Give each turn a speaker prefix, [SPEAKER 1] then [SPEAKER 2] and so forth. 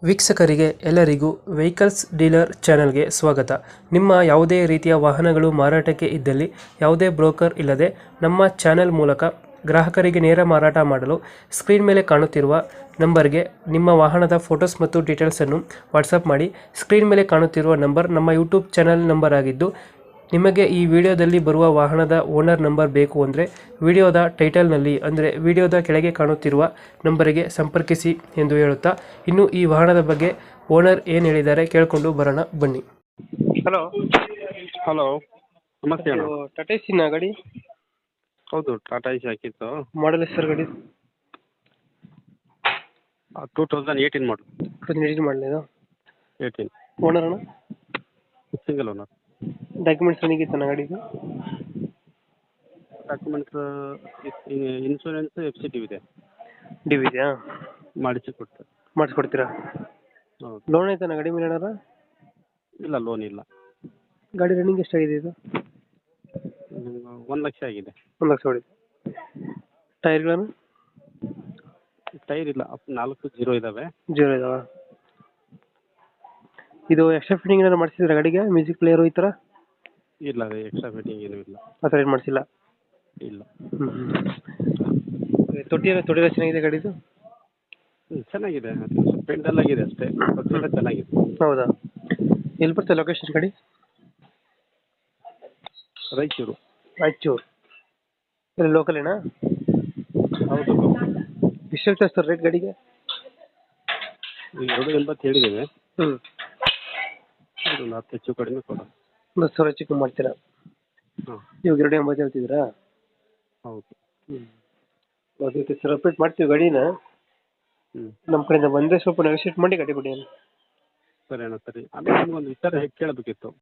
[SPEAKER 1] ವೀಕ್ಷಕರಿಗೆ ಎಲ್ಲರಿಗೂ vehicles dealer ಚಾನೆಲ್ಗೆ ಸ್ವಾಗತ. ನಿಮ್ಮ ಯಾವುದೇ ರೀತಿಯ ವಾಹನಗಳು ಮಾರಾಟಕ್ಕೆ ಇದ್ದಲ್ಲಿ ಯಾವುದೇ ಬ್ರೋಕರ್ ಇಲ್ಲದೆ ನಮ್ಮ ಚಾನೆಲ್ ಮೂಲಕ ಗ್ರಾಹಕರಿಗೆ ನೇರ ಮಾರಾಟ ಮಾಡಲು ಸ್ಕ್ರೀನ್ ಮೇಲೆ ಕಾಣುತ್ತಿರುವ ನಂಬರ್ಗೆ ನಿಮ್ಮ ವಾಹನದ ಫೋಟೋಸ್ ಮತ್ತು ಡೀಟೇಲ್ಸನ್ನು ವಾಟ್ಸಪ್ ಮಾಡಿ. ಸ್ಕ್ರೀನ್ ಮೇಲೆ ಕಾಣುತ್ತಿರುವ ನಂಬರ್ ನಮ್ಮ ಯೂಟ್ಯೂಬ್ ಚಾನೆಲ್ ನಂಬರ್ ಆಗಿದ್ದು, ನಿಮಗೆ ಈ ವಿಡಿಯೋದಲ್ಲಿ ಬರುವ ವಾಹನದ ಓನರ್ ನಂಬರ್ ಬೇಕು ಅಂದರೆ ವಿಡಿಯೋದ ಟೈಟಲ್ನಲ್ಲಿ ಅಂದರೆ ವಿಡಿಯೋದ ಕೆಳಗೆ ಕಾಣುತ್ತಿರುವ ನಂಬರಿಗೆ ಸಂಪರ್ಕಿಸಿ ಎಂದು ಹೇಳುತ್ತಾ, ಇನ್ನು ಈ ವಾಹನದ ಬಗ್ಗೆ ಓನರ್ ಏನು ಹೇಳಿದ್ದಾರೆ ಕೇಳಿಕೊಂಡು ಬರೋಣ ಬನ್ನಿ. ಹಲೋ
[SPEAKER 2] ಹಲೋ, ನಮಸ್ತೆ ಅಣ್ಣ.
[SPEAKER 1] ಟಾಟಾ ಸಿನ ಗಾಡಿ
[SPEAKER 2] ಹೌದು, ಟಾಟಾ ಏಸಿ ಹಾಕಿತ್ತು.
[SPEAKER 1] ಮಾಡಲ್ ಸರ್ ಗಾಡಿ
[SPEAKER 2] 2018 ಮಾಡಲ್.
[SPEAKER 1] ಮಾಡಲಿಲ್ಲ
[SPEAKER 2] 18
[SPEAKER 1] ಓನರ್ ಅಣ್ಣ.
[SPEAKER 2] Single owner.
[SPEAKER 1] ಡಾಕ್ಯುಮೆಂಟ್ಸ್ ಏನಿಗೆ ತನ್ನ ಗಾಡಿದು?
[SPEAKER 2] ಡಾಕ್ಯುಮೆಂಟ್ಸ್ ಇನ್ಶೂರೆನ್ಸ್ FCT ಇದೆ.
[SPEAKER 1] ಡಿ ವಿ ಇದೆಯಾ?
[SPEAKER 2] ಮಾಡಿಸ್ಕೊಡ್ತಾರೆ.
[SPEAKER 1] ಮಾಡಿಸ್ಕೊಡ್ತೀರಾ?
[SPEAKER 2] ಹೌದು.
[SPEAKER 1] ಲೋನ್ ಐತನ ಗಾಡಿ ಮೇಲೆ ಏನಾರ?
[SPEAKER 2] ಇಲ್ಲ, ಲೋನ್ ಇಲ್ಲ.
[SPEAKER 1] ಗಾಡಿ ರನ್ನಿಂಗ್ ಎಷ್ಟಾಗಿದೆ ಇದು?
[SPEAKER 2] 1 ಲಕ್ಷ ಆಗಿದೆ.
[SPEAKER 1] 1 ಲಕ್ಷ ಹೊಡಿದೆ. ಟೈರ್ಗಳನ್ನು?
[SPEAKER 2] ಟೈರ್ ಇಲ್ಲ, 4 0 ಇದಾವೆ.
[SPEAKER 1] ಜೀರೋ ಇದಾವ? ಇದು ಎಕ್ಸ್ಟ್ರಾ ಫಿಟ್ಟಿಂಗ್ ಏನಾದ್ರು ಮಾಡಿಸಿದ್ರೆ ಗಾಡಿಗೆ? ಮ್ಯೂಸಿಕ್ ಪ್ಲೇಯರು ಈ ಥರ?
[SPEAKER 2] ಇಲ್ಲ, ಅದೇ ಎಕ್ಸ್ಟ್ರಾ ಫಿಟ್ಟಿಂಗ್ ಏನೂ ಇಲ್ಲ.
[SPEAKER 1] ಆ ಥರ ಏನು ಮಾಡಿಸಿಲ್ಲ?
[SPEAKER 2] ಇಲ್ಲ.
[SPEAKER 1] ತೊಟ್ಟಿಲ್ಲ ಚೆನ್ನಾಗಿದೆ ಗಾಡಿದು?
[SPEAKER 2] ಚೆನ್ನಾಗಿದೆ, ಪೇಂಟ್ ಎಲ್ಲ ಆಗಿದೆ ಅಷ್ಟೇ, ಎಲ್ಲ ಚೆನ್ನಾಗಿದೆ.
[SPEAKER 1] ಹೌದಾ? ಎಲ್ಲಿ ಬರ್ತದೆ ಲೊಕೇಶನ್ ಗಾಡಿ?
[SPEAKER 2] ರಾಯಚೂರು.
[SPEAKER 1] ರಾಯಚೂರು ಇಲ್ಲಿ ಲೋಕಲ್ ಏನಾ?
[SPEAKER 2] ಹೌದು.
[SPEAKER 1] ಎಷ್ಟು ಹೇಳ್ತಾರೆ ಸರ್ ರೇಟ್ ಗಾಡಿಗೆ?
[SPEAKER 2] ಈಗ 280 ಹೇಳಿದ್ದೇವೆ.
[SPEAKER 1] ಹ್ಞೂ.
[SPEAKER 2] ಒಂದು 10 ಹೆಚ್ಚು ಕಡಿಮೆ ಕೊಡೋಣ.
[SPEAKER 1] 10 ಸಾವಿರ ಚಿಕ್ಕ ಮಾಡ್ತೀರಾ?
[SPEAKER 2] ಹಾಂ.
[SPEAKER 1] ಇವಾಗ 280 ಹೇಳ್ತಿದ್ದೀರಾ?
[SPEAKER 2] ಹೌದು.
[SPEAKER 1] ಅದಕ್ಕೆ ಸರ್ ಅಪ್ಡೇಟ್ ಮಾಡ್ತೀವಿ ಗಾಡಿನ. ನಮ್ಮ ಕಡೆಯಿಂದ ಬಂದರೆ ಸ್ವಲ್ಪ ನೆಗೋಷಿಯೇಟ್ ಮಾಡಿ ಗಾಡಿ ಬಿಡಿ.
[SPEAKER 2] ಸರಿ ಅಣ್ಣ, ಸರಿ. ಆಮೇಲೆ ನಿಮ್ಗೊಂದು ವಿಚಾರ ಕೇಳಬೇಕಿತ್ತು.